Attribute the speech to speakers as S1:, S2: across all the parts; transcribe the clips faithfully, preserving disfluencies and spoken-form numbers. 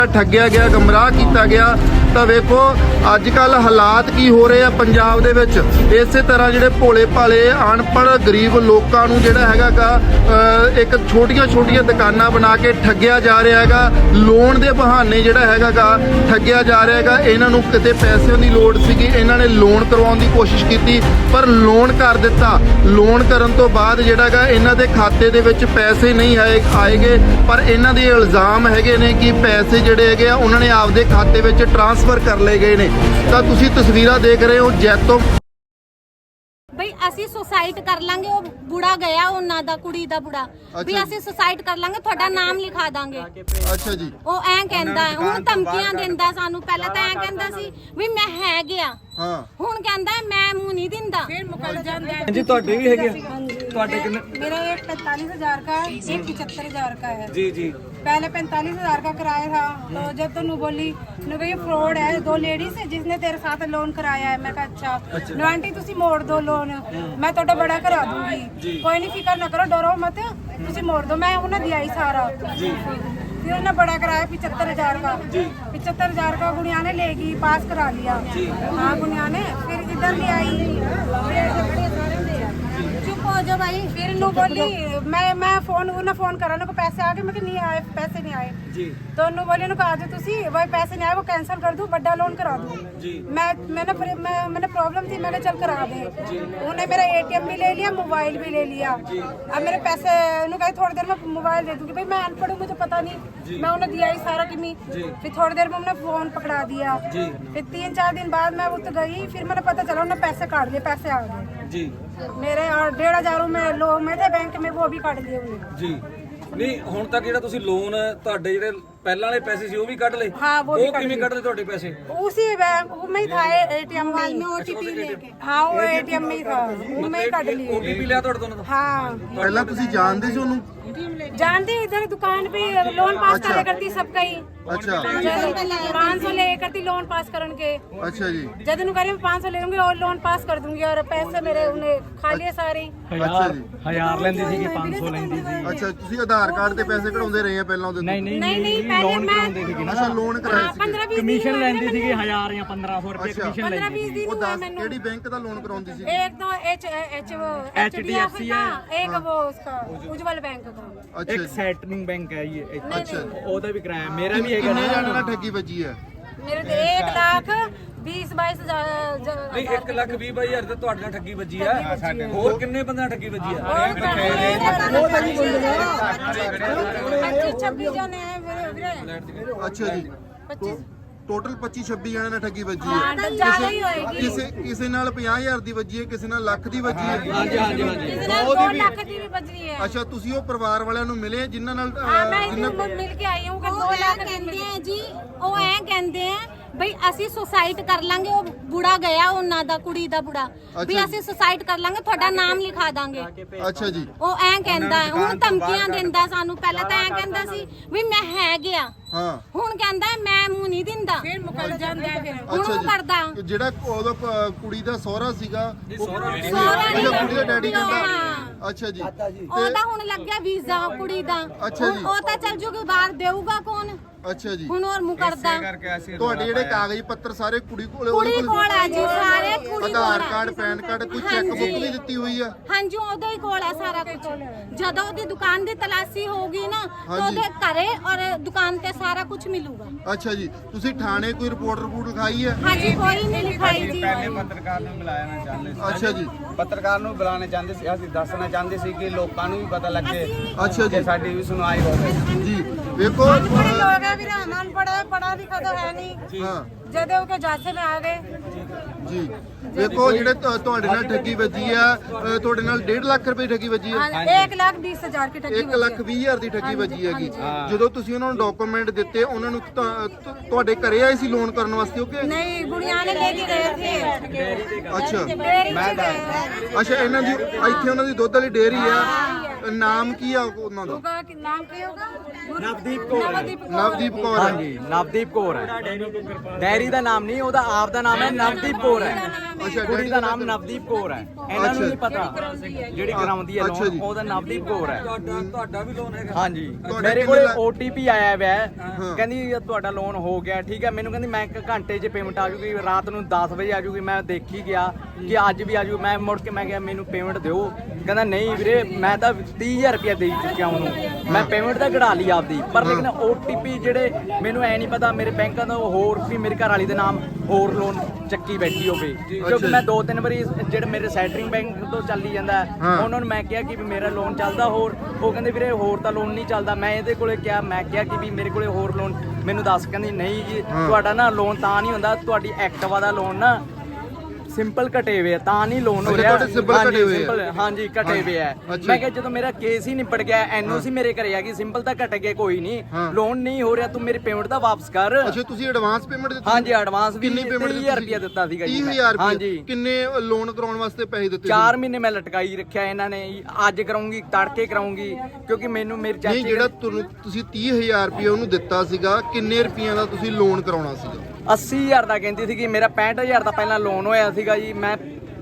S1: ठग्या गया, गमराह किया गया। तो वेखो अजकल हालात की हो रहे हैं पंजाब दे विच। इस तरह जिहड़े भोले भाले अनपढ़ गरीब लोगों नूं जिहड़ा हैगा गा एक छोटियां छोटियां दुकानां बना के ठग्या जा रहा हैगा। लोन दे बहाने जिहड़ा हैगा गा ठग्या जा रहा हैगा। इन्हां नूं किते पैसिਆਂ ਦੀ लोड़ सीगी, इन्हां ने लोन करवाउण ਦੀ कोशिश की पर लोन कर दिता। लोन करन तो बाद जिहड़ा गा इन्हां दे खाते दे विच पैसे नहीं आए आएगे, पर इन्हां दे इल्जाम हैगे ने कि पैसे जिहड़े हैगे आ उन्हां ने आपदे खाते विच ट्रांसफर कर लए गए ने। ਤਾਂ ਤੁਸੀਂ ਤਸਵੀਰਾਂ ਦੇਖ ਰਹੇ ਹੋ ਜੈਤੋਂ
S2: ਬਈ ਅਸੀਂ ਸੁਸਾਈਡ ਕਰ ਲਾਂਗੇ। ਉਹ ਬੁੜਾ ਗਿਆ ਉਹਨਾਂ ਦਾ, ਕੁੜੀ ਦਾ ਬੁੜਾ ਵੀ ਅਸੀਂ ਸੁਸਾਈਡ ਕਰ ਲਾਂਗੇ, ਤੁਹਾਡਾ ਨਾਮ ਲਿਖਾ ਦਾਂਗੇ।
S1: ਅੱਛਾ ਜੀ।
S2: ਉਹ ਐਂ ਕਹਿੰਦਾ, ਹੁਣ ਧਮਕੀਆਂ ਦਿੰਦਾ ਸਾਨੂੰ। ਪਹਿਲਾਂ ਤਾਂ ਐਂ ਕਹਿੰਦਾ ਸੀ ਵੀ ਮੈਂ ਹੈ ਗਿਆ,
S1: ਹਾਂ
S2: ਹੁਣ ਕਹਿੰਦਾ ਮੈਂ ਮੂੰਹ ਨਹੀਂ ਦਿੰਦਾ।
S3: फिर मुकर जाता है।
S4: जी ਤੁਹਾਡੇ ਵੀ ਹੈਗੇ ਤੁਹਾਡੇ ਕਿੰਨੇ?
S3: मेरा एक पैंतालीस हजार का है, एक पचहत्तर हजार का है।
S4: जी जी
S3: पहले पैंतालीस हजार का कराया था, तो जब तो नू बोली नू कही फ्रॉड है, दो लेडीज है जिसने तेरे साथ लोन कराया है। मैं कहा अच्छा नो आंटी तुसी मोड़ दो लोन, मैं थोड़ा बड़ा करा दूंगी, कोई नहीं फिक्र ना करो, डरो मत, तुसी मोड़ दो। मैं उन्हें दिया ही सारा। फिर उन्हें बड़ा कराया पचहत्तर हजार का। पचहत्तर हजार का गुड़िया ने लेगी, पास करा लिया। हाँ गुड़िया ने फिर इधर ले आई,
S2: चुप हो जाओ भाई।
S3: फिर नू बोली मैं मैं फोन उन्हें फोन करा को पैसे आ गए, मैं नहीं आए, पैसे नहीं आए
S4: जी।
S3: तो उन्होंने बोली उन्होंने कहा जो तुसी वही पैसे नहीं आए वो कैंसिल कर दूं, बड़ा लोन करा दूं
S4: जी।
S3: मैं मैंने मैं, मैंने प्रॉब्लम थी, मैंने चल करा दे। उन्हें मेरा एटीएम भी ले लिया, मोबाइल भी ले लिया। अब मेरे पैसे उन्होंने कहा थोड़ी देर में मोबाइल दे दूंगी। भाई मैं अनपढ़ हूँ, मुझे पता नहीं, मैं उन्हें दिया ही सारा कि फिर थोड़ी देर में उन्होंने फोन पकड़ा दिया। फिर तीन चार दिन बाद मैं उठ गई, फिर मैंने पता चला उन्होंने पैसे काट लिए, पैसे आ गए
S4: जी
S3: मेरे। और डेढ़ हजार में लोग में थे बैंक में, वो भी काट लिए उन्होंने।
S4: ਜੀ ਨਹੀਂ ਹੁਣ ਤੱਕ ਜਿਹੜਾ ਤੁਸੀਂ ਲੋਨ ਤੁਹਾਡੇ ਜਿਹੜੇ ਪਹਿਲਾਂ वाले पैसे ਸੀ ਉਹ ਵੀ ਕੱਢ ਲਏ?
S3: हाँ वो भी
S4: ਉਹ
S3: काट
S4: ਕਿਵੇਂ
S3: लिए।
S4: ਕੱਢ ਲਏ ਤੁਹਾਡੇ पैसे?
S3: उसी बैंक में ही था, एटीएम में ओटीपी लेके। हाँ वो एटीएम में ही था, वो मैं ही काट लिए।
S4: ਓਟੀਪੀ ਲਿਆ ਤੁਹਾਡੇ ਤੋਂ?
S3: हाँ
S1: ਪਹਿਲਾਂ ਤੁਸੀਂ ਜਾਣਦੇ ਸੀ ਉਹਨੂੰ?
S3: जानते इधर दुकान पे लोन पास
S1: अच्छा।
S3: करा करती सब कहीं।
S1: अच्छा
S3: पाँच सौ ले करती लोन पास करन के।
S1: अच्छा जी।
S3: जब नु करी पाँच सौ ले लूंगी और लोन पास कर दूंगी, और पैसे मेरे उन्हें खा लिए सारे।
S1: ਅੱਛਾ ਜੀ।
S4: ਹਜ਼ਾਰ ਲੈਂਦੀ ਸੀ ਕਿ ਪੰਜ ਸੌ ਲੈਂਦੀ ਸੀ?
S1: ਅੱਛਾ ਤੁਸੀਂ ਆਧਾਰ ਕਾਰਡ ਤੇ ਪੈਸੇ ਕਢਾਉਂਦੇ ਰਹੇ ਆ ਪਹਿਲਾਂ ਉਹਦੇ ਤੋਂ?
S4: ਨਹੀਂ ਨਹੀਂ
S3: नहीं नहीं पहले मैं
S1: ਅੱਛਾ ਲੋਨ ਕਰਾਇਆ ਸੀ।
S3: पंद्रह बीस
S4: ਕਮਿਸ਼ਨ ਲੈਂਦੀ ਸੀ ਕਿ ਹਜ਼ਾਰ ਜਾਂ ਪੰਦਰਾਂ ਸੌ ਰੁਪਏ
S1: ਅੱਛਾ।
S4: ਕਮਿਸ਼ਨ
S3: पंद्रह
S4: ਲੈਂਦੀ
S3: बीस दिन
S1: ਉਹ
S3: हुआ
S1: ਦੱਸ
S3: मैंने।
S1: ਕਿਹੜੀ ਬੈਂਕ ਦਾ ਲੋਨ ਕਰਾਉਂਦੀ ਸੀ?
S3: एक तो एच एच वो एच डी एफ सी का, एक वो उसका उज्जवल बैंक का।
S1: ਅੱਛਾ
S4: ਇੱਕ
S1: ਜੀ।
S4: ਸੈਟਲਿੰਗ ਬੈਂਕ ਹੈ ਇਹ,
S1: ਅੱਛਾ
S4: ਉਹਦਾ ਵੀ ਕਰਾਇਆ, ਮੇਰਾ ਵੀ ਹੈਗਾ
S1: ਕਿੰਨੇ ਜਾਣੇ
S4: ਨਾ।
S1: ਨਾਲ ਠੱਗੀ ਵੱਜੀ ਹੈ?
S3: मेरे तो एक लाख बीस बाईस हजार।
S4: ਨਹੀਂ ਇੱਕ ਲੱਖ ਵੀਹ ਬਾਈ ਹਜ਼ਾਰ ਤੇ ਤੁਹਾਡੇ ਨਾਲ ਠੱਗੀ ਵੱਜੀ ਆ। ਹੋਰ ਕਿੰਨੇ ਬੰਦਿਆਂ ਨਾਲ ਠੱਗੀ ਵੱਜੀ ਆ?
S3: पच्चीस छब्बीस जने हैं मेरे।
S1: ਅੱਛਾ ਜੀ।
S3: पच्चीस
S1: ਟੋਟਲ ਪੱਚੀ ਛੱਬੀ ਜਣੇ ਨਾਲ ਠੱਗੀ ਵੱਜੀ
S3: हाँ
S1: ਹੈ।
S3: तो ज्यादा ही होएगी।
S1: ਕਿਸੇ ਕਿਸੇ ਨਾਲ ਪੰਜਾਹ ਹਜ਼ਾਰ ਦੀ ਵੱਜੀ ਹੈ, ਕਿਸੇ ਨਾਲ ਲੱਖ ਦੀ ਵੱਜੀ ਹੈ।
S4: ਹਾਂਜੀ ਹਾਂਜੀ ਹਾਂਜੀ
S3: किसी ने दो लाख की भी बच रही है।
S1: ਅੱਛਾ ਤੁਸੀਂ ਉਹ ਪਰਿਵਾਰ ਵਾਲਿਆਂ ਨੂੰ ਮਿਲੇ ਜਿਨ੍ਹਾਂ ਨਾਲ ਅਹ,
S3: हाँ मैं
S1: ਜਿਨ੍ਹਾਂ
S3: इधर मिल के आई हूँ कि
S2: ਉਹ
S3: दो
S2: ਐਂ
S3: लाख
S2: ਕਹਿੰਦੇ ਆ ਜੀ, ਉਹ ਐਂ ਕਹਿੰਦੇ ਆ ਬਈ ਅਸੀਂ ਸੁਸਾਈਡ ਕਰ ਲਾਂਗੇ। ਉਹ ਬੁੜਾ ਗਿਆ ਉਹਨਾਂ ਦਾ, ਕੁੜੀ ਦਾ ਬੁੜਾ ਵੀ
S1: ਅੱਛਾ
S2: ਅਸੀਂ ਸੁਸਾਈਡ ਕਰ ਲਾਂਗੇ, ਤੁਹਾਡਾ ਨਾਮ ਲਿਖਾ ਦਾਂਗੇ।
S1: ਅੱਛਾ ਜੀ।
S2: ਉਹ ਐਂ ਕਹਿੰਦਾ, ਹੁਣ ਧਮਕੀਆਂ ਦਿੰਦਾ ਸਾਨੂੰ। ਪਹਿਲਾਂ ਤਾਂ ਐਂ ਕਹਿੰਦਾ ਸੀ ਵੀ ਮੈਂ ਹੈ ਗਿਆ,
S1: ਹਾਂ
S2: ਹੁਣ ਕਹਿੰਦਾ ਮੈਂ ਮੂੰਹ ਨਹੀਂ ਦਿੰਦਾ।
S3: फिर मुकर जाता है। फिर
S2: ਹੁਣ
S1: ਅੱਛਾ
S2: ਉਹ ਕਰਦਾ
S1: ਜੀ। ਜਿਹੜਾ ਉਹਦਾ ਪ- ਕੁੜੀ ਦਾ ਸਹੁਰਾ ਸੀਗਾ ਉਹ-
S2: ਸਹੁਰਾ ਨਹੀਂ,
S1: ਅੱਛਾ ਕੁੜੀ ਦਾ ਡੈਡੀ
S2: ਹਾਂ।
S1: ਕਹਿੰਦਾ ਅੱਛਾ ਜੀ।
S2: ਉਹਦਾ ਹੁਣ ਲੱਗਿਆ ਵੀਜ਼ਾ ਕੁੜੀ ਦਾ।
S1: ਅੱਛਾ
S2: ਹੁਣ
S1: ਜੀ।
S2: ਉਹ ਤਾਂ ਚੱਲ ਜੂਗੀ ਬਾਹਰ, ਦੇਊਗਾ ਕੌਣ?
S1: ਅੱਛਾ ਜੀ।
S2: ਹੁਣ ਹੋਰ ਮੁਕਰਦਾ।
S1: ਤੁਹਾਡੇ ਜਿਹੜੇ ਕਾਗਜ਼ ਪੱਤਰ ਸਾਰੇ ਕੁੜੀ ਕੋਲੇ
S2: ਕੁੜੀ
S1: ਉਹਦੇ
S2: ਕੋਲ ਹੈ ਜੀ, ਸਾਰੇ ਕੁੜੀ ਕੋਲ
S1: ਆਧਾਰ
S2: ਹੈ।
S1: ਕਾਰਡ ਪੈਨ ਕਾਰਡ ਕੋਈ ਚੈੱਕ
S2: ਹਾਂਜੀ।
S1: ਬੁੱਕ ਵੀ ਦਿੱਤੀ ਹੋਈ ਆ?
S2: ਹਾਂਜੀ ਉਹਦੇ ਹੀ ਕੋਲ ਹੈ ਸਾਰਾ ਕੁਝ। ਜਦੋਂ ਉਹਦੀ ਦੁਕਾਨ ਦੀ ਤਲਾਸ਼ੀ ਹੋਊਗੀ ਨਾ ਤਾਂ
S1: ਹਾਂਜੀ।
S2: ਉਹਦੇ ਘਰੇ ਔਰ ਦੁਕਾਨ ਤੇ ਸਾਰਾ ਕੁਝ ਮਿਲੂਗਾ।
S1: ਅੱਛਾ ਜੀ। ਤੁਸੀਂ ਥਾਣੇ ਕੋਈ ਰਿਪੋਰਟ ਰਿਪੋਰਟ ਲਿਖਾਈ ਹੈ?
S2: ਹਾਂਜੀ ਕੋਈ ਨਹੀਂ ਲਿਖਾਈ ਜੀ।
S5: ਪੱਤਰਕਾਰ ਨੂੰ ਮਿਲਾਉਣਾ ਚਾਹੁੰਦੇ ਸੀ।
S1: ਅੱਛਾ ਜੀ।
S5: ਪੱਤਰਕਾਰ ਨੂੰ ਬੁਲਾਉਣਾ ਚਾਹੁੰਦੇ ਸੀ, ਅਸੀਂ ਦੱਸਣਾ ਚਾਹੁੰਦੇ ਸੀ ਕਿ ਲੋਕਾਂ ਨੂੰ ਵੀ ਪਤਾ ਲੱਗੇ
S1: ਅੱਛਾ
S5: ਕਿ
S1: ਜੀ।
S5: ਸਾਡੀ ਵੀ ਸੁਣਵਾਈ ਹੋਵੇ।
S1: ਜੀ ਵੇਖੋ
S3: बड़े
S1: ਅਹ,
S3: लोग हैं, फिर हमान पढ़ा पढ़ा लिखा तो है नहीं।
S1: ਹਾਂ
S3: जदे के जांचे में आ गए।
S1: ਜੀ ਵੇਖੋ ਜਿਹੜੇ ਤੁ- ਤੁਹਾਡੇ ਨਾਲ ਠੱਗੀ ਵੱਜੀ ਆ ਅਹ, ਤੁਹਾਡੇ ਨਾਲ ਡੇਢ ਲੱਖ ਰੁਪਏ ਠੱਗੀ ਵੱਜੀ ਹੈ।
S3: हाँ, एक लाख बीस हजार की टक्की
S1: ਇੱਕ ਲੱਖ ਵੀਹ ਹਜ਼ਾਰ ਦੀ ਠੱਗੀ ਵੱਜੀ ਹੈਗੀ। ਜਦੋਂ ਤੁਸੀਂ ਉਹਨਾਂ ਨੂੰ ਡਾਕੂਮੈਂਟ ਦਿੱਤੇ, ਉਹਨਾਂ ਨੂੰ ਤਾਂ- ਤੁ- ਤੁਹਾਡੇ ਘਰੇ ਆਏ ਸੀ ਲੋਨ ਕਰਨ ਵਾਸਤੇ ਉਹ ਕਿ
S3: नहीं गुड़िया ने लेके गए थे।
S1: ਅੱਛਾ
S3: डेयरी से गए हैं।
S1: ਅੱਛਾ ਇਹਨਾਂ ਦੀ ਇੱਥੇ ਉਹਨਾਂ ਦੀ ਦੁੱਧ ਵਾਲੀ ਡੇਅਰੀ ਆ। ਨਾਮ ਕੀ ਆ ਉਹਨਾਂ ਦਾ?
S3: होगा कि नाम क्या होगा?
S6: ਨਵਦੀਪ ਕੌਰ ਹੈ।
S3: नवदीप कौर।
S1: ਨਵਦੀਪ ਕੌਰ ਹੈ।
S6: ਹਾਂਜੀ ਨਵਦੀਪ ਕੌਰ ਹੈ। ਡੈਰੀ ਦਾ ਨਾਮ ਨਹੀਂ, ਉਹਦਾ ਆਪ ਦਾ ਨਾਮ ਹੈ ਨਵਦੀਪ ਕੌਰ ਹੈ।
S1: ਅੱਛਾ,
S6: ਕੁੜੀ ਦਾ ਨਾਮ ਨਵਦੀਪ ਕੌਰ ਹੈ। ਇਹਨਾਂ ਨੂੰ ਨਹੀਂ ਪਤਾ ਜਿਹੜੀ ਕਰਾਉਂਦੀ ਹੈ
S1: ਅੱਛਾ ਜੀ।
S6: ਲੋਨ, ਉਹਦਾ ਨਵਦੀਪ ਕੌਰ ਹੈ।
S4: ਤੁਹਾਡਾ ਤੁਹਾਡਾ ਵੀ ਲੋਨ ਹੈਗਾ?
S6: ਹਾਂਜੀ
S1: ਤੁਹਾਡਾ
S6: ਮੇਰੇ
S1: ਕਿੰਨੇ
S6: ਕੋਲ
S1: ਲੱਖ?
S6: ਓਟੀਪੀ ਆਇਆ ਹੋਇਆ ਹੈ, ਕਹਿੰਦੀ ਤੁਹਾਡਾ ਲੋਨ ਹੋ ਗਿਆ। ਠੀਕ ਹੈ, ਮੈਨੂੰ ਕਹਿੰਦੀ ਮੈਂ ਇੱਕ ਘੰਟੇ 'ਚ ਪੇਮੈਂਟ ਆ ਜੂਗੀ, ਰਾਤ ਨੂੰ ਦਸ ਵਜੇ ਆ ਜੂਗੀ। ਮੈਂ ਦੇਖੀ ਗਿਆ ਕਿ ਅੱਜ ਵੀ ਆ ਜੂ। ਮੈਂ ਮੁੜ ਕੇ ਮੈਂ ਕਿਹਾ ਮੈਨੂੰ ਪੇਮੈਂਟ ਦਿਓ, ਕਹਿੰਦਾ ਨਹੀਂ ਵੀਰੇ ਮੈਂ ਤਾਂ ਤੀਹ ਹਜ਼ਾਰ ਰੁਪਇਆ ਦੇ ਚੁੱਕਿਆ ਉਹਨੂੰ, ਮੈਂ ਪੇਮੈਂਟ ਤਾਂ ਕਢਾ ਲਈ ਆਪਦੀ, ਪਰ ਲੇਕਿਨ ਓਟੀਪੀ ਜਿਹੜੇ ਮੈਨੂੰ ਐ ਨਹੀਂ ਪਤਾ ਮੇਰੇ ਬੈਂਕਾਂ ਦਾ ਹੋਰ ਵੀ ਮੇਰੇ ਘਰ ਵਾਲੀ ਦੇ ਨਾਮ ਹੋਰ ਲੋਨ ਚੱਕੀ ਬੈਠੀ ਹੋਵੇ, ਕਿਉਂਕਿ ਮੈਂ ਦੋ ਤਿੰਨ ਵਾਰੀ ਜਿਹੜੇ ਮੇਰੇ ਸੈਟਰਿੰਗ ਬੈਂਕ ਤੋਂ ਚੱਲੀ ਜਾਂਦਾ ਹੈ, ਉਹਨਾਂ ਨੂੰ ਮੈਂ ਕਿਹਾ ਕਿ ਵੀ ਮੇਰਾ ਲੋਨ ਚੱਲਦਾ ਹੋਰ, ਉਹ ਕਹਿੰਦੇ ਵੀਰੇ ਹੋਰ ਤਾਂ ਲੋਨ ਨਹੀਂ ਚੱਲਦਾ। ਮੈਂ ਇਹਦੇ ਕੋਲੇ ਕਿਹਾ, ਮੈਂ ਕਿਹਾ ਕਿ ਵੀ ਮੇਰੇ ਕੋਲੇ ਹੋਰ ਲੋਨ ਮੈਨੂੰ ਦੱਸ, ਕਹਿੰਦੀ ਨਹੀਂ ਜੀ ਤੁਹਾਡਾ ਨਾ ਲੋਨ ਤਾਂ ਨਹੀਂ ਹੁੰਦਾ, ਤੁਹਾਡੀ ਐਕਟਿਵਾ ਦਾ ਲੋਨ ਨਾ ਸਿੰਪਲ ਕਟੇ ਹੋਏ ਆ ਤਾਂ ਨਹੀਂ ਲੋਨ ਹੋ
S1: ਅੱਛਾ,
S6: ਰਿਹਾ।
S1: ਤੁਹਾਡੇ simple
S6: ਹਾਂਜੀ,
S1: ਕਟੇ ਹੋਏ ਆ।
S6: simple, ਹਾਂਜੀ ਕਟੇ ਹੋਏ ਆ।
S1: ਅੱਛਾ।
S6: ਮੈਂ ਕਿਹਾ ਜਦੋਂ ਮੇਰਾ ਕੇਸ ਹੀ ਨਿਪਟ ਗਿਆ, ਐਨਓਸੀ ਮੇਰੇ ਘਰੇ ਆ ਗਈ, ਸਿੰਪਲ ਤਾਂ ਕੱਟ ਗਿਆ, ਕੋਈ ਨਹੀਂ ਲੋਨ ਨਹੀਂ ਹੋ ਰਿਹਾ, ਤੂੰ ਮੇਰੀ ਪੇਮੈਂਟ ਤਾਂ ਵਾਪਸ ਕਰ।
S1: ਅੱਛਾ, ਤੁਸੀਂ ਐਡਵਾਂਸ ਪੇਮੈਂਟ ਦਿੱਤੀ?
S6: ਹਾਂਜੀ ਐਡਵਾਂਸ ਵੀ
S1: ਕਿੰਨੀ ਪੇਮੈਂਟ
S6: ਤੀਹ ਹਜ਼ਾਰ ਰੁਪਇਆ ਦਿੱਤਾ ਸੀਗਾ ਜੀ
S1: ਤੀਹ
S6: ਮੈਂ।
S1: ਹਜ਼ਾਰ ਰੁਪਇਆ?
S6: ਹਾਂਜੀ
S1: ਕਿੰਨੇ ਲੋਨ ਕਰਾਉਣ ਵਾਸਤੇ ਪੈਸੇ ਦਿੱਤੇ?
S6: ਚਾਰ ਮਹੀਨੇ ਮੈਂ ਲਟਕਾਈ ਰੱਖਿਆ ਇਹਨਾਂ ਨੇ, ਅੱਜ ਕਰਾਉਂਗੀ ਤੜਕੇ ਕਰਾਉਂਗੀ, ਕਿਉਂਕਿ ਮੈਨੂੰ ਮੇਰੇ
S1: ਨਹੀਂ,
S6: ਚਾਚੇ
S1: ਜਿਹੜਾ ਤੁਹਾਨੂੰ ਤੁਸੀਂ ਤੀਹ ਹਜ਼ਾਰ ਰੁਪਇਆ ਉਹਨੂੰ ਦਿੱਤਾ ਸੀਗਾ, ਕਿੰਨੇ ਰੁਪਈਆਂ ਦਾ ਤੁਸੀਂ ਲੋਨ ਕਰਾਉਣਾ ਸੀਗਾ?
S6: ਅੱਸੀ ਹਜ਼ਾਰ ਦਾ ਕਹਿੰਦੀ ਸੀ ਕਿ ਮੇਰਾ ਪੈਂਹਠ ਹਜ਼ਾਰ ਦਾ ਪਹਿਲਾਂ ਲੋਨ ਹੋਇਆ ਸੀਗਾ ਜੀ। ਮੈਂ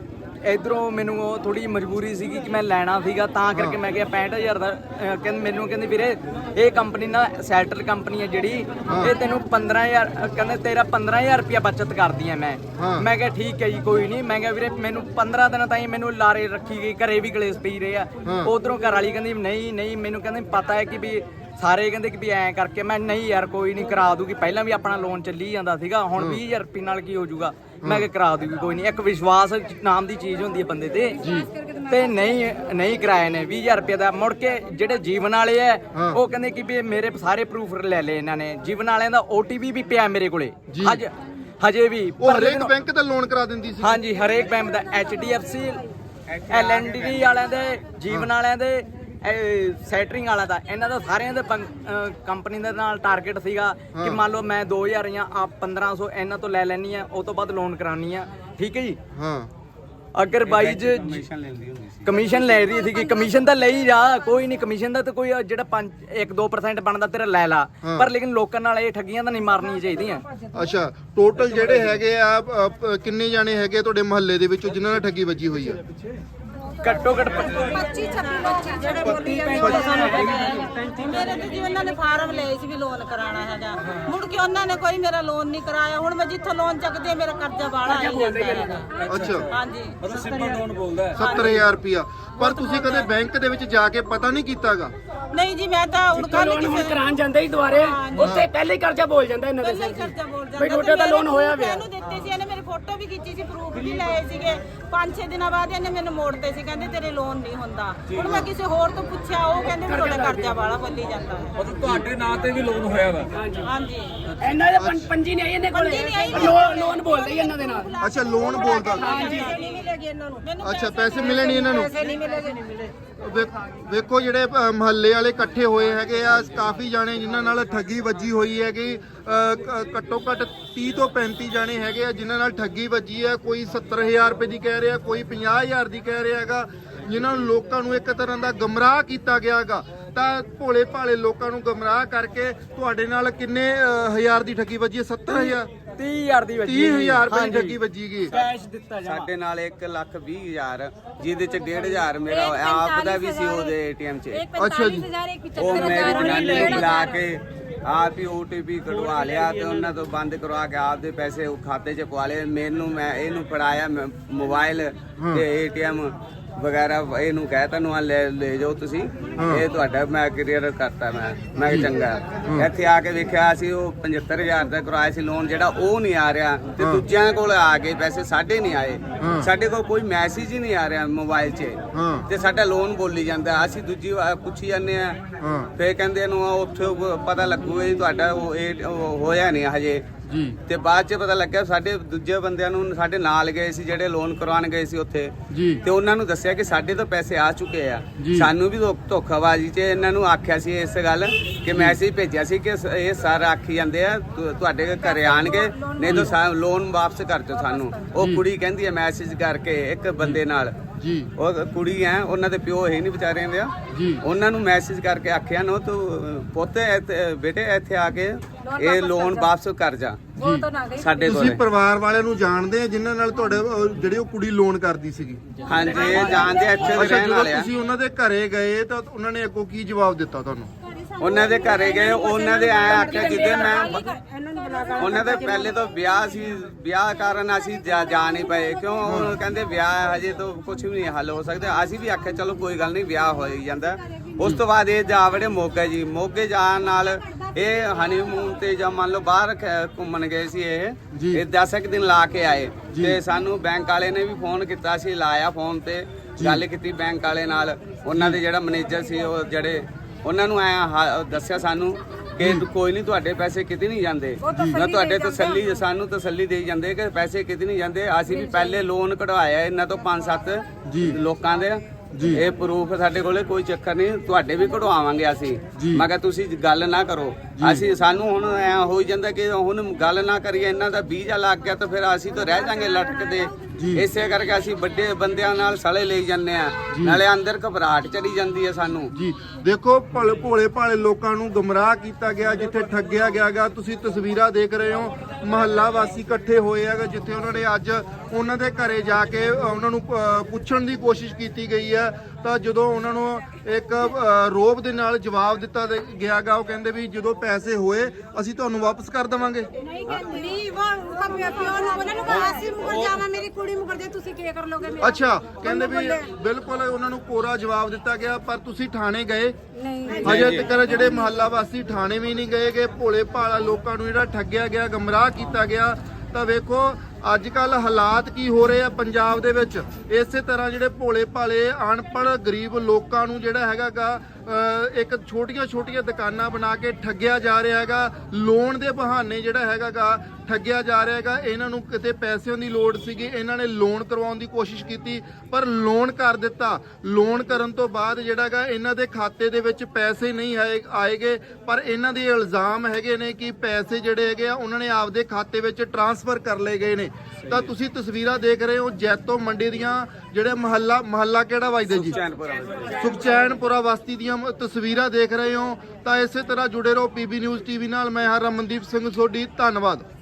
S6: ਇਧਰੋਂ ਮੈਨੂੰ ਉਹ ਥੋੜੀ ਮਜਬੂਰੀ ਸੀਗੀ ਕਿ ਮੈਂ ਲੈਣਾ ਸੀਗਾ, ਤਾਂ ਕਰਕੇ ਮੈਂ ਕਿਹਾ ਪੈਂਹਠ ਹਜ਼ਾਰ ਦਾ। ਅਹ ਕਹਿੰਦੇ ਮੈਨੂੰ ਕਹਿੰਦੇ ਵੀਰੇ ਇਹ ਕੰਪਨੀ ਨਾ ਸੈਟਲ ਕੰਪਨੀ ਹੈ ਜਿਹੜੀ, ਇਹ ਤੈਨੂੰ ਪੰਦਰਾਂ ਹਜ਼ਾਰ ਕਹਿੰਦੇ ਤੇਰਾ ਪੰਦਰਾਂ ਹਜ਼ਾਰ ਰੁਪਇਆ ਬਚਤ ਕਰਦੀ ਐ ਮੈਂ। ਮੈਂ ਕਿਹਾ ਠੀਕ ਹੈ ਜੀ ਕੋਈ ਨਹੀਂ। ਮੈਂ ਕਿਹਾ ਵੀਰੇ ਮੈਨੂੰ ਪੰਦਰਾਂ ਦਿਨ ਤਾਈਂ ਮੈਨੂੰ ਲਾਰੇ ਰੱਖੀ ਗਈ, ਘਰੇ ਵੀ ਕਲੇਸ਼ ਪਈ ਰਹੇ ਆ। ਉਧਰੋਂ ਘਰ ਵਾਲੀ ਕਹਿੰਦੀ ਨਹੀਂ ਨਹੀਂ ਮੈਨੂੰ ਕਹਿੰਦੇ ਪਤਾ ਹੈ ਕਿ ਵੀ ਸਾਰੇ ਕਹਿੰਦੇ ਕਿ ਵੀ ਐਂ ਕਰਕੇ। ਮੈਂ ਨਹੀਂ ਯਾਰ ਕੋਈ ਨਹੀਂ ਕਰਾ ਦੂਗੀ, ਪਹਿਲਾਂ ਵੀ ਆਪਣਾ ਲੋਨ ਚੱਲੀ ਜਾਂਦਾ ਸੀਗਾ, ਹੁਣ ਵੀਹ ਹਜ਼ਾਰ ਰੁਪਏ ਨਾਲ ਕੀ ਹੋ ਜਾਊਗਾ। ਮੈਂ ਕਿਹਾ ਕਰਾ ਦੂਗੀ ਕੋਈ ਨਹੀਂ। ਇੱਕ ਵਿਸ਼ਵਾਸ ਨਾਮ ਦੀ ਚੀਜ਼ ਹੁੰਦੀ ਹੈ ਬੰਦੇ ਤੇ, ਤੇ ਨਹੀਂ ਨਹੀਂ ਕਰਾਏ ਨੇ ਵੀਹ ਹਜ਼ਾਰ ਰੁਪਏ ਦਾ। ਮੁੜ ਕੇ ਜਿਹੜੇ ਜੀਵਨ ਵਾਲੇ ਆ ਉਹ ਕਹਿੰਦੇ ਕਿ ਵੀ ਮੇਰੇ ਸਾਰੇ ਪ੍ਰੂਫ ਲੈ ਲਏ ਇਹਨਾਂ ਨੇ। ਜੀਵਨ ਵਾਲਿਆਂ ਦਾ ਓਟੀਪੀ ਵੀ ਪਿਆ ਮੇਰੇ ਕੋਲੇ ਅੱਜ ਹਜੇ ਵੀ।
S1: ਉਹ ਹਰੇਕ ਬੈਂਕ ਦਾ ਲੋਨ ਕਰਾ ਦਿੰਦੀ ਸੀ?
S6: ਹਾਂਜੀ ਹਰੇਕ ਬੈਂਕ ਦਾ, H D F C, L N D ਵਾਲਿਆਂ ਦੇ, ਜੀਵਨ ਵਾਲਿਆਂ ਦੇ, ਸੈਟਰਿੰਗ ਵਾਲਾ ਦਾ, ਇਹਨਾਂ ਦਾ ਸਾਰਿਆਂ ਦੇ ਕੰਪਨੀ ਦੇ ਨਾਲ ਟਾਰਗੇਟ ਸੀਗਾ ਕਿ ਮੰਨ ਲਓ ਮੈਂ ਦੋ ਹਜ਼ਾਰ ਜਾਂ ਆਪ ਪੰਦਰਾਂ ਸੌ ਇਹਨਾਂ ਤੋਂ ਲੈ ਲੈਣੀ ਆ, ਉਹ ਤੋਂ ਬਾਅਦ ਲੋਨ ਕਰਾਉਣੀ ਆ। ਠੀਕ ਹੈ ਜੀ।
S1: ਹਾਂ।
S6: ਅਗਰ ਬਾਈ ਜ ਕਮਿਸ਼ਨ ਲੈ ਰਹੀ ਸੀਗੀ, ਕਮਿਸ਼ਨ ਤਾਂ ਲਈ ਜਾ, ਕੋਈ ਨਹੀਂ ਕਮਿਸ਼ਨ ਦਾ ਤਾਂ ਕੋਈ ਜਿਹੜਾ ਪੰਜ ਇੱਕ ਦੋ ਪਰਸੈਂਟ ਬਣਦਾ ਤੇਰਾ ਲੈ ਲਾ, ਪਰ ਲੇਕਿਨ ਲੋਕਾਂ ਨਾਲ ਇਹ ਠੱਗੀਆਂ ਤਾਂ ਨਹੀਂ ਮਾਰਨੀਆਂ ਚਾਹੀਦੀਆਂ।
S1: ਅੱਛਾ, ਟੋਟਲ ਜਿਹੜੇ ਹੈਗੇ ਆ ਅ, ਪ- ਕਿੰਨੇ ਜਾਣੇ ਹੈਗੇ ਤੁਹਾਡੇ ਮਹੱਲੇ ਦੇ ਵਿੱਚ ਜਿਨ੍ਹਾਂ ਨਾਲ ਠੱਗੀ ਵੱਜੀ ਹੋਈ ਆ?
S6: ਘੱਟੋ ਘੱਟ
S2: ਪੱਚੀ ਛੱਬੀ ਬੱਚੇ ਜਿਹੜੇ ਬੋਲੀ ਜਾਂਦੇ ਉਹ ਸਾਨੂੰ ਪਤਾ ਹੈ। ਮੇਰੇ ਤੇ ਜੀ ਉਹਨਾਂ ਨੇ ਫਾਰਮ ਲਏ ਸੀ ਵੀ ਲੋਨ ਕਰਾਉਣਾ ਹੈਗਾ, ਮੁੜ ਕੇ ਉਹਨਾਂ ਨੇ ਕੋਈ ਮੇਰਾ ਲੋਨ ਨਹੀਂ ਕਰਾਇਆ। ਹੁਣ ਮੈਂ ਜਿੱਥੋਂ ਲੋਨ ਚੱਕਦੀ ਮੇਰਾ ਕਰਜ਼ਾ ਬਾਹਲਾ ਆਈ ਜਾਂਦਾ ਹੈਗਾ।
S1: ਅੱਛਾ,
S2: ਹਾਂਜੀ
S4: ਮਤਲਬ ਸਿੰਪਲ ਲੋਨ ਬੋਲਦਾ ਹੈ।
S1: ਸੱਤਰ ਹਜ਼ਾਰ ਰੁਪਇਆ। ਪਰ ਤੁਸੀਂ ਕਦੇ ਬੈਂਕ ਦੇ ਵਿੱਚ ਜਾ ਕੇ ਪਤਾ ਨਹੀਂ ਕੀਤਾਗਾ?
S2: ਨਹੀਂ ਜੀ, ਮੈਂ ਤਾਂ ਹੁਣ ਕੱਲ ਕਿਸੇ
S7: ਕਰਾਉਣ ਜਾਂਦੇ ਹੀ ਦੁਆਰੇ ਉੱਥੇ ਪਹਿਲੇ ਹੀ ਕਰਜ਼ਾ ਬੋਲ ਜਾਂਦਾ ਇਹਨਾਂ ਦੇ
S2: ਪਹਿਲਾਂ ਹੀ ਕਰਜ਼ਾ ਬੋਲ ਜਾਂਦਾ।
S7: ਬਈ ਤੁਹਾਡਾ ਤਾਂ ਲੋਨ ਹੋਇਆ ਪਿਆ।
S2: ਇਹਨੂੰ ਦਿੱਤੇ ਸੀ, ਇਹਨੇ ਮੇਰੀ ਫੋਟੋ ਵੀ ਖਿੱਚੀ ਸੀ, ਪ੍ਰੂਫ ਵੀ ਲਏ ਸੀਗੇ। ਪੰਜ ਛੇ ਦਿਨਾਂ ਬਾਅਦ ਇਹਨੇ ਮੈਨੂੰ ਮੋੜਤੇ ਸੀ, ਕਹਿੰਦੇ ਤੇਰੇ ਲੋਨ ਨਹੀਂ ਹੁੰਦਾ। ਹੁਣ ਮੈਂ ਕਿਸੇ ਹੋਰ ਤੋਂ ਪੁੱਛਿਆ, ਉਹ ਕਹਿੰਦੇ ਵੀ ਤੁਹਾਡਾ ਕਰਜ਼ਾ ਵਾਲਾ ਬੱਲੀ ਜਾਂਦਾ ਹੈ।
S4: ਮਤਲਬ ਤੁਹਾਡੇ ਨਾਂ ਤੇ ਵੀ ਲੋਨ ਹੋਇਆ ਵਾ?
S2: ਹਾਂਜੀ
S7: ਇਹਨਾਂ ਦੇ ਪੰ- ਪੰਜੀ ਨਹੀਂ ਆਈ ਇਹਨੇ ਕੋਲੇ,
S2: ਪੰਜੀ ਨਹੀਂ ਆਈ।
S7: ਲੋਨ ਲੋਨ ਬੋਲਦੇ ਹੀ ਇਹਨਾਂ ਦੇ ਨਾਲ।
S1: ਅੱਛਾ, ਲੋਨ ਬੋਲਦਾ।
S2: ਨਹੀਂ ਮਿਲੇਗੀ ਇਹਨਾਂ ਨੂੰ। ਮੈਨੂੰ
S1: ਅੱਛਾ, ਪੈਸੇ ਮਿਲੇ ਨਹੀਂ ਇਹਨਾਂ ਨੂੰ?
S2: ਪੈਸੇ ਨਹੀਂ ਮਿਲੇਗੇ, ਨਹੀਂ ਮਿਲੇ।
S1: ਵੇਖ- ਵੇਖੋ ਜਿਹੜੇ ਅ, ਮਹੱਲੇ ਵਾਲੇ ਇਕੱਠੇ ਹੋਏ ਹੈਗੇ ਆ, ਕਾਫੀ ਜਾਣੇ ਜਿਨ੍ਹਾਂ ਨਾਲ ਠੱਗੀ ਵੱਜੀ ਹੋਈ ਹੈਗੀ। ਅ, ਕ- ਘੱਟੋ ਘੱਟ ਤੀਹ ਤੋਂ ਪੈਂਤੀ ਜਾਣੇ ਹੈਗੇ ਆ ਜਿਨ੍ਹਾਂ ਨਾਲ ਠੱਗੀ ਵੱਜੀ ਹੈ। ਕੋਈ ਸੱਤਰ ਹਜ਼ਾਰ ਰੁਪਏ ਦੀ ਕਹਿ ਰਿਹਾ, ਕੋਈ ਪੰਜਾਹ ਹਜ਼ਾਰ ਦੀ ਕਹਿ ਰਿਹਾ ਹੈਗਾ, ਜਿਨ੍ਹਾਂ ਨੂੰ ਲੋਕਾਂ ਨੂੰ ਇੱਕ ਤਰ੍ਹਾਂ ਦਾ ਗਮਰਾਹ ਕੀਤਾ ਗਿਆ ਹੈਗਾ। ਤਾਂ ਭੋਲੇ ਭਾਲੇ ਲੋਕਾਂ ਨੂੰ ਗਮਰਾਹ ਕਰਕੇ ਤੁਹਾਡੇ ਨਾਲ ਕਿੰਨੇ ਅ, ਹਜ਼ਾਰ ਦੀ ਠੱਗੀ ਵੱਜੀ ਹੈ? ਸੱਤਰ ਹਜ਼ਾਰ
S6: ਤੀਹ ਹਜ਼ਾਰ ਦੀ ਵੱਜੀ
S1: ਤੀਹ ਹਜ਼ਾਰ ਰੁਪਏ ਦੀ
S6: ਹਾਂਜੀ।
S1: ਠੱਗੀ ਵੱਜੀ ਗਈ।
S6: ਕੈਸ਼ ਦਿੱਤਾ ਜਾ
S5: ਸਾਡੇ ਨਾਲ ਇੱਕ ਲੱਖ ਵੀਹ ਹਜ਼ਾਰ, ਜਿਹਦੇ ਚ ਡੇਢ ਹਜ਼ਾਰ ਮੇਰਾ ਆਪ ਦਾ ਵੀ ਸੀ ਉਹਦੇ ਏਟੀਐਮ 'ਚ।
S1: ਅੱਛਾ ਜੀ।
S5: ਉਹ ਮੇਰੀ ਜਨਾਨੀ ਨੂੰ ਬੁਲਾ ਕੇ ਆਪ ਹੀ ਓਟੀਪੀ ਕਢਵਾ ਲਿਆ ਤੇ ਉਹਨਾਂ ਤੋਂ ਬੰਦ ਕਰਵਾ ਕੇ ਆਪ ਦੇ ਪੈਸੇ ਉਹ ਖਾਤੇ 'ਚ ਪਵਾ ਲਏ। ਮੈਨੂੰ ਮੈਂ ਇਹਨੂੰ ਫੜਾਇਆ ਮੋਬਾਈਲ ਤੇ ਏਟੀਐਮ ਵਗੈਰਾ, ਇਹਨੂੰ ਕਹਿ ਤੈਨੂੰ ਆ ਲੈ ਲੈ ਜਾਓ ਤੁਸੀਂ, ਇਹ ਤੁਹਾਡਾ ਮੈਂ ਕਲੀਅਰ ਕਰਤਾ। ਮੈਂ ਮੈਂ ਕਿਹਾ ਚੰਗਾ। ਇੱਥੇ ਆ ਕੇ ਵੇਖਿਆ ਸੀ ਉਹ ਪਝੱਤਰ ਹਜ਼ਾਰ ਦਾ ਕਰਾਇਆ ਸੀ ਲੋਨ, ਜਿਹੜਾ ਉਹ ਨਹੀਂ ਆ ਰਿਹਾ, ਤੇ ਦੂਜਿਆਂ ਕੋਲ ਆ ਗਏ ਪੈਸੇ, ਸਾਡੇ ਨਹੀਂ ਆਏ। ਸਾਡੇ ਕੋਲ ਕੋਈ ਮੈਸੇਜ ਹੀ ਨਹੀਂ ਆ ਰਿਹਾ ਮੋਬਾਈਲ 'ਚ, ਤੇ ਸਾਡਾ ਲੋਨ ਬੋਲੀ ਜਾਂਦਾ। ਅਸੀਂ ਦੂਜੀ ਵਾਰ ਪੁੱਛੀ ਜਾਂਦੇ ਆ, ਫੇਰ ਕਹਿੰਦੇ ਨੂੰ ਉੱਥੇ ਪਤਾ ਲੱਗੂਗਾ ਜੀ ਤੁਹਾਡਾ ਉਹ ਇਹ ਹੋਇਆ ਨਹੀਂ ਹਜੇ ਜੀ। ਤੇ ਬਾਅਦ 'ਚ ਪਤਾ ਲੱਗਿਆ ਸਾਡੇ ਦੂਜੇ ਬੰਦਿਆਂ ਨੂੰ, ਸਾਡੇ ਨਾਲ ਗਏ ਸੀ ਜਿਹੜੇ ਲੋਨ ਕਰਵਾਉਣ ਗਏ ਸੀ ਉੱਥੇ, ਤੇ ਉਹਨਾਂ ਨੂੰ ਦੱਸਿਆ ਕਿ ਸਾਡੇ ਤੋਂ ਪੈਸੇ ਆ ਚੁੱਕੇ ਆ। ਸਾਨੂੰ ਵੀ ਧੋ- ਧੋਖਾਬਾਜ਼ੀ 'ਚ ਇਹਨਾਂ ਨੂੰ ਆਖਿਆ ਸੀ ਇਸ ਗੱਲ ਕਿ ਮੈਸੇਜ ਭੇਜਿਆ ਸੀ ਕਿ ਇਹ ਸਰ ਆਖੀ ਜਾਂਦੇ ਆ ਤੁ- ਤੁਹਾਡੇ ਘਰੇ ਆਣਗੇ, ਨਹੀਂ ਤਾਂ ਲੋਨ ਵਾਪਸ ਕਰ ਦਿਓ ਸਾਨੂੰ। ਉਹ ਕੁੜੀ ਕਹਿੰਦੀ ਹੈ ਮੈਸੇਜ ਕਰਕੇ ਇੱਕ ਬੰਦੇ ਨਾਲ
S1: ਜੀ
S5: ਉਹ ਕੁੜੀ ਹੈ, ਉਹਨਾਂ ਦੇ ਪਿਓ ਹੈ ਨਹੀਂ ਵਿਚਾਰਿਆਂ ਦੇ,
S1: ਜੀ
S5: ਉਹਨਾਂ ਨੂੰ ਮੈਸੇਜ ਕਰਕੇ ਆਖਿਆ ਨੋ ਤੂੰ ਪੁੱਤ ਇੱਥੇ- ਬੇਟੇ ਇੱਥੇ ਆ ਕੇ ਇਹ ਲੋਨ ਵਾਪਸ ਕਰ ਜਾ
S3: वो तो ना गई
S5: ਸਾਡੇ
S1: ਤੁਸੀਂ
S5: ਕੋਲ।
S1: ਪਰਿਵਾਰ ਵਾਲਿਆਂ ਨੂੰ ਜਾਣਦੇ ਆ ਜਿਨ੍ਹਾਂ ਨਾਲ ਤੁਹਾਡੇ ਅਹ, ਜਿਹੜੀ ਉਹ ਕੁੜੀ ਲੋਨ ਕਰਦੀ ਸੀਗੀ?
S5: ਹਾਂਜੀ ਇਹ ਜਾਣਦੇ ਆ, ਇੱਥੇ ਦੇ
S1: ਅੱਛਾ,
S5: ਰਹਿਣ
S1: ਜਦੋਂ
S5: ਵਾਲੇ ਆ।
S1: ਤੁਸੀਂ ਉਹਨਾਂ ਦੇ ਘਰੇ ਗਏ ਤਾਂ ਉਹਨਾਂ ਨੇ ਅੱਗੋਂ ਕੀ ਜਵਾਬ ਦਿੱਤਾ ਤੁਹਾਨੂੰ?
S5: ਉਹਨਾਂ ਦੇ ਘਰੇ ਗਏ, ਉਹਨਾਂ ਦੇ ਆਏ ਆਖਿਆ ਜਿੱਦੇ ਮੈਂ
S3: इन्होंने बुला कर
S5: ਉਹਨਾਂ ਦੇ ਪਹਿਲੇ ਤੋਂ ਵਿਆਹ ਸੀ, ਵਿਆਹ ਕਾਰਨ ਅਸੀਂ ਜਾ ਜਾ ਨਹੀਂ ਪਏ ਕਿਉਂ ਉਹ ਕਹਿੰਦੇ ਵਿਆਹ ਹਜੇ ਤਾਂ ਕੁਝ ਵੀ ਨਹੀਂ ਹੱਲ ਹੋ ਸਕਦਾ। ਅਸੀਂ ਵੀ ਆਖਿਆ ਚਲੋ ਕੋਈ ਗੱਲ ਨਹੀਂ ਵਿਆਹ ਹੋ ਹੀ ਜਾਂਦਾ। ਉਸ ਤੋਂ ਬਾਅਦ ਇਹ ਜਾ ਵੜੇ ਮੋਗੇ ਜੀ। ਮੋਗੇ ਜਾਣ ਨਾਲ ਇਹ ਹਨੀਮੂਨ ਤੇ ਜਾਂ ਮੰਨ ਲਓ ਬਾਹਰ ਖ- ਘੁੰਮਣ ਗਏ ਸੀ ਇਹ
S1: ਜੀ।
S5: ਇਹ ਦਸ ਕੁ ਦਿਨ ਲਾ ਕੇ ਆਏ
S1: ਜੀ।
S5: ਤੇ ਸਾਨੂੰ ਬੈਂਕ ਵਾਲੇ ਨੇ ਵੀ ਫੋਨ ਕੀਤਾ ਸੀ, ਲਾਇਆ ਫੋਨ ਤੇ ਗੱਲ ਕੀਤੀ ਬੈਂਕ ਵਾਲੇ ਨਾਲ। ਉਹਨਾਂ ਦੇ ਜਿਹੜਾ ਮੈਨੇਜਰ ਸੀ ਉਹ ਜਿਹੜੇ ਉਹਨਾਂ ਨੂੰ ਐ ਦੱਸਿਆ ਸਾਨੂੰ ਕਿ ਕੋਈ ਨਹੀਂ ਤੁਹਾਡੇ ਪੈਸੇ ਕਿਤੇ ਨਹੀਂ ਜਾਂਦੇ ਨਾ, ਤੁਹਾਡੇ ਤਸੱਲੀ ਸਾਨੂੰ ਤਸੱਲੀ ਦੇਈ ਜਾਂਦੇ ਕਿ ਪੈਸੇ ਕਿਤੇ ਨਹੀਂ ਜਾਂਦੇ। ਅਸੀਂ ਵੀ ਪਹਿਲੇ ਲੋਨ ਕਢਵਾਇਆ ਇਹਨਾਂ ਤੋਂ ਪੰਜ ਸੱਤ
S1: ਜੀ।
S5: ਲੋਕਾਂ ਦੇ
S1: ਜੀ।
S5: ਇਹ ਪ੍ਰੂਫ ਸਾਡੇ ਕੋਲੇ ਕੋਈ ਚੱਕਰ ਨਹੀਂ, ਤੁਹਾਡੇ ਵੀ ਕਢਵਾਵਾਂਗੇ ਅਸੀਂ।
S1: ਜੀ।
S5: ਮੈਂ ਕਿਹਾ ਤੁਸੀਂ ਗੱਲ ਨਾ ਕਰੋ। ਅਸੀਂ ਸਾਨੂੰ ਹੁਣ ਐ ਹੋ ਜਾਂਦਾ ਕਿ ਹੁਣ ਗੱਲ ਨਾ ਕਰੀਏ, ਇਹਨਾਂ ਦਾ ਵੀਜ਼ਾ ਲੱਗ ਗਿਆ ਤਾਂ ਫਿਰ ਅਸੀਂ ਤਾਂ ਰਹਿ ਜਾਾਂਗੇ ਲਟਕਦੇ।
S1: ਜੀ।
S5: ਇਸੇ ਕਰਕੇ ਅਸੀਂ ਵੱਡੇ ਬੰਦਿਆਂ ਨਾਲ ਸਲੇ ਲਈ ਜਾਂਦੇ ਆ, ਨਾਲੇ ਅੰਦਰ ਘਬਰਾਹਟ ਚੜੀ ਜਾਂਦੀ ਹੈ ਸਾਨੂੰ।
S1: ਜੀ ਦੇਖੋ ਭਲੇ ਭੋਲੇ ਭਾਲੇ ਲੋਕਾਂ ਨੂੰ ਗੁੰਮਰਾਹ ਕੀਤਾ ਗਿਆ, ਜਿੱਥੇ ਠੱਗਿਆ ਗਿਆਗਾ। ਤੁਸੀਂ ਤਸਵੀਰਾਂ ਦੇਖ ਰਹੇ ਹੋ, ਮਹੱਲਾ ਵਾਸੀ ਇਕੱਠੇ ਹੋਏ ਹੈਗੇ, ਜਿੱਥੇ ਉਹਨਾਂ ਨੇ ਅੱਜ ਉਹਨਾਂ ਦੇ ਘਰੇ ਜਾ ਕੇ ਉਹਨਾਂ ਨੂੰ ਅ, ਪੁੱਛਣ ਦੀ ਕੋਸ਼ਿਸ਼ ਕੀਤੀ ਗਈ ਹੈ। ਤਾਂ ਜਦੋਂ ਉਹਨਾਂ ਨੂੰ ਇੱਕ ਅ, ਰੋਬ ਦੇ ਨਾਲ ਜਵਾਬ ਦਿੱਤਾ ਦੇ- ਗਿਆਗਾ, ਉਹ ਕਹਿੰਦੇ ਵੀ ਜਦੋਂ ਪੈਸੇ ਹੋਏ ਅਸੀਂ ਤੁਹਾਨੂੰ ਵਾਪਸ ਕਰ ਦੇਵਾਂਗੇ।
S3: नहीं कहती नहीं वो उसका प्योर ना बोला ना आसिम मुकर जावा मेरी कुड़ी मुकर दे तुसी के कर लोगे मेरा
S1: ਅੱਛਾ, ਕਹਿੰਦੇ ਵੀ ਬਿਲਕੁਲ ਉਹਨਾਂ ਨੂੰ ਕੋਰਾ ਜਵਾਬ ਦਿੱਤਾ ਗਿਆ। ਪਰ ਤੁਸੀਂ ਥਾਣੇ ਗਏ?
S3: नहीं
S1: ਅਜੇ ਤੱਕ ਜਿਹੜੇ ਮਹੱਲਾ ਵਾਸੀ ਥਾਣੇ ਵੀ ਨਹੀਂ ਗਏ ਗਏ। ਭੋਲੇ ਭਾਲਾ ਲੋਕਾਂ ਨੂੰ ਜਿਹੜਾ ਠੱਗਿਆ ਗਿਆ, ਗਮਰਾਹ ਕੀਤਾ ਗਿਆ। ਤਾਂ ਵੇਖੋ ਅੱਜ ਕੱਲ ਹਾਲਾਤ ਕੀ ਹੋ ਰਹੇ ਆ ਪੰਜਾਬ ਦੇ ਵਿੱਚ। ਇਸੇ ਤਰ੍ਹਾਂ ਜਿਹੜੇ ਭੋਲੇ ਭਾਲੇ ਅਨਪੜ੍ਹ ਗਰੀਬ ਲੋਕਾਂ ਨੂੰ ਜਿਹੜਾ ਹੈਗਾਗਾ ਇੱਕ ਛੋਟੀਆਂ ਛੋਟੀਆਂ ਦੁਕਾਨਾਂ ਬਣਾ ਕੇ ਠੱਗਿਆ ਜਾ ਰਿਹਾ ਹੈਗਾ। ਲੋਨ ਦੇ ਬਹਾਨੇ ਜਿਹੜਾ ਹੈਗਾਗਾ ਠੱਗਿਆ ਜਾ ਰਿਹਾ ਹੈਗਾ। ਇਹਨਾਂ ਨੂੰ ਕਿਤੇ ਪੈਸਿਆਂ ਦੀ ਲੋੜ ਸੀਗੀ, ਇਹਨਾਂ ਨੇ ਲੋਨ ਕਰਵਾਉਣ ਦੀ ਕੋਸ਼ਿਸ਼ ਕੀਤੀ ਪਰ ਲੋਨ ਕਰ ਦਿੱਤਾ। ਲੋਨ ਕਰਨ ਤੋਂ ਬਾਅਦ ਜਿਹੜਾਗਾ ਇਹਨਾਂ ਦੇ ਖਾਤੇ ਦੇ ਵਿੱਚ ਪੈਸੇ ਨਹੀਂ ਆਏ ਆਏਗੇ। ਪਰ ਇਹਨਾਂ ਦੇ ਇਲਜ਼ਾਮ ਹੈਗੇ ਨੇ ਕਿ ਪੈਸੇ ਜਿਹੜੇ ਹੈਗੇ ਆ ਉਹਨਾਂ ਨੇ ਆਪਦੇ ਖਾਤੇ ਵਿੱਚ ਟ੍ਰਾਂਸਫਰ ਕਰ ਲਏ ਗਏ ਨੇ। ਤਾਂ ਤੁਸੀਂ ਤਸਵੀਰਾਂ ਦੇਖ ਰਹੇ ਹੋ ਜੈਤੋ ਮੰਡੀ ਦੀਆਂ, ਜਿਹੜੇ ਮਹੱਲਾ ਮਹੱਲਾ ਕਿਹੜਾ ਵੱਜਦਾ ਜੀ? ਸੁਖਚੈਨਪੁਰਾ ਬਸਤੀ ਦੀਆਂ ਤਸਵੀਰਾਂ ਦੇਖ ਰਹੇ ਹੋ। ਤਾਂ ਇਸੇ ਤਰ੍ਹਾਂ ਜੁੜੇ ਰਹੋ ਪੀਬੀ ਨਿਊਜ਼ ਟੀਵੀ ਨਾਲ। ਮੈਂ ਹਾਂ ਰਮਨਦੀਪ ਸਿੰਘ ਸੋਢੀ, ਧੰਨਵਾਦ।